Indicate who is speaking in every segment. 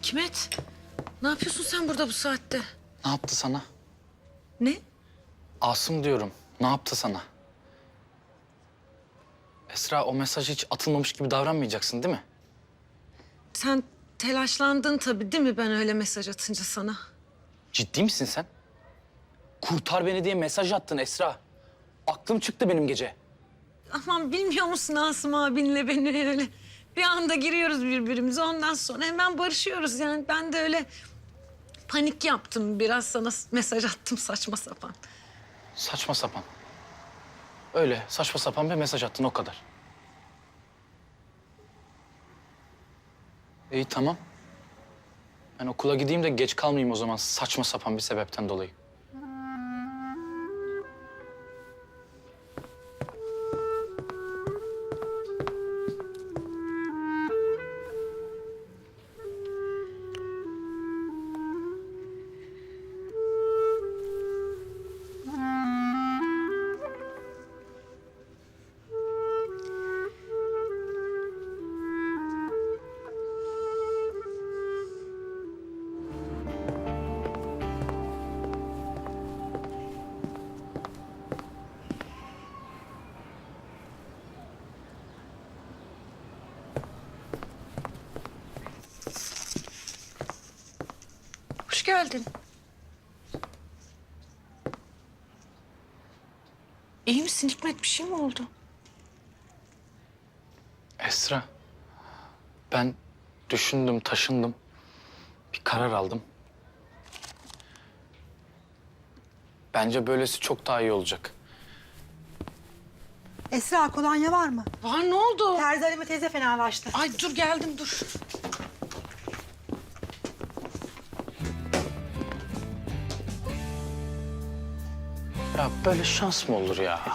Speaker 1: Hikmet, ne yapıyorsun sen burada bu saatte?
Speaker 2: Ne yaptı sana?
Speaker 1: Ne?
Speaker 2: Asım diyorum. Ne yaptı sana? Esra, o mesaj hiç atılmamış gibi davranmayacaksın değil mi?
Speaker 1: Sen telaşlandın tabii değil mi ben öyle mesaj atınca sana?
Speaker 2: Ciddi misin sen? Kurtar beni diye mesaj attın Esra. Aklım çıktı benim gece.
Speaker 1: Aman bilmiyor musun Asım abinle beni öyle? Bir anda giriyoruz birbirimize ondan sonra hemen barışıyoruz. Yani ben de öyle panik yaptım biraz sana mesaj attım saçma sapan.
Speaker 2: Saçma sapan. Öyle saçma sapan bir mesaj attın o kadar. İyi tamam. Ben okula gideyim de geç kalmayayım o zaman saçma sapan bir sebepten dolayı.
Speaker 1: Hoş geldin. İyi misin Hikmet? Bir şey mi oldu?
Speaker 2: Esra, ben düşündüm, taşındım. Bir karar aldım. Bence böylesi çok daha iyi olacak.
Speaker 3: Esra, kolonya var mı?
Speaker 1: Var ne oldu?
Speaker 3: Terzi Halime teyze fenalaştı.
Speaker 1: Ay dur geldim dur.
Speaker 2: Ya böyle şans mı olur ya?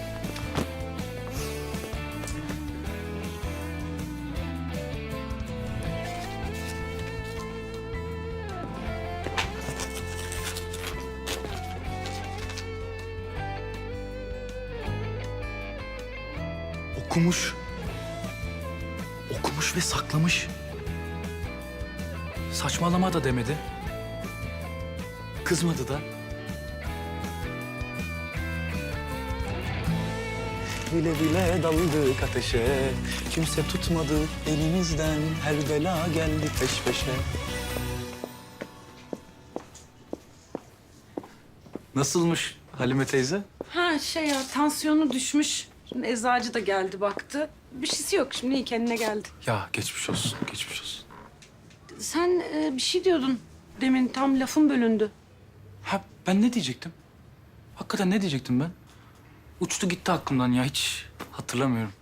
Speaker 4: Okumuş. Okumuş ve saklamış. Saçmalama da demedi. Kızmadı da. Bile bile daldık ateşe. Kimse tutmadı elimizden. Her bela geldi peş peşe. Nasılmış Halime teyze?
Speaker 1: Ha şey ya tansiyonu düşmüş. Şimdi eczacı da geldi baktı. Bir şeysi yok şimdi iyi kendine geldi.
Speaker 4: Ya geçmiş olsun, geçmiş olsun.
Speaker 1: Sen bir şey diyordun demin tam lafın bölündü.
Speaker 4: Ha ben ne diyecektim? Hakikaten ne diyecektim ben? Uçtu gitti aklımdan ya hiç hatırlamıyorum.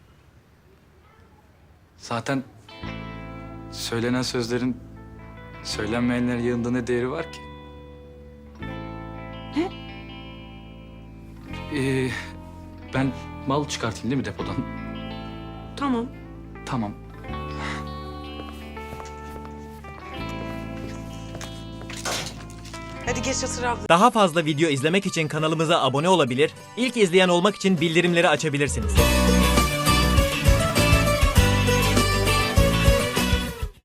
Speaker 4: Zaten söylenen sözlerin söylenmeyenlerin yanında ne değeri var ki?
Speaker 1: Ne?
Speaker 4: Ben mal çıkartayım değil mi depodan?
Speaker 1: Tamam.
Speaker 4: Tamam.
Speaker 1: Hadi geç otur abla.
Speaker 5: Daha fazla video izlemek için kanalımıza abone olabilir, ilk izleyen olmak için bildirimleri açabilirsiniz.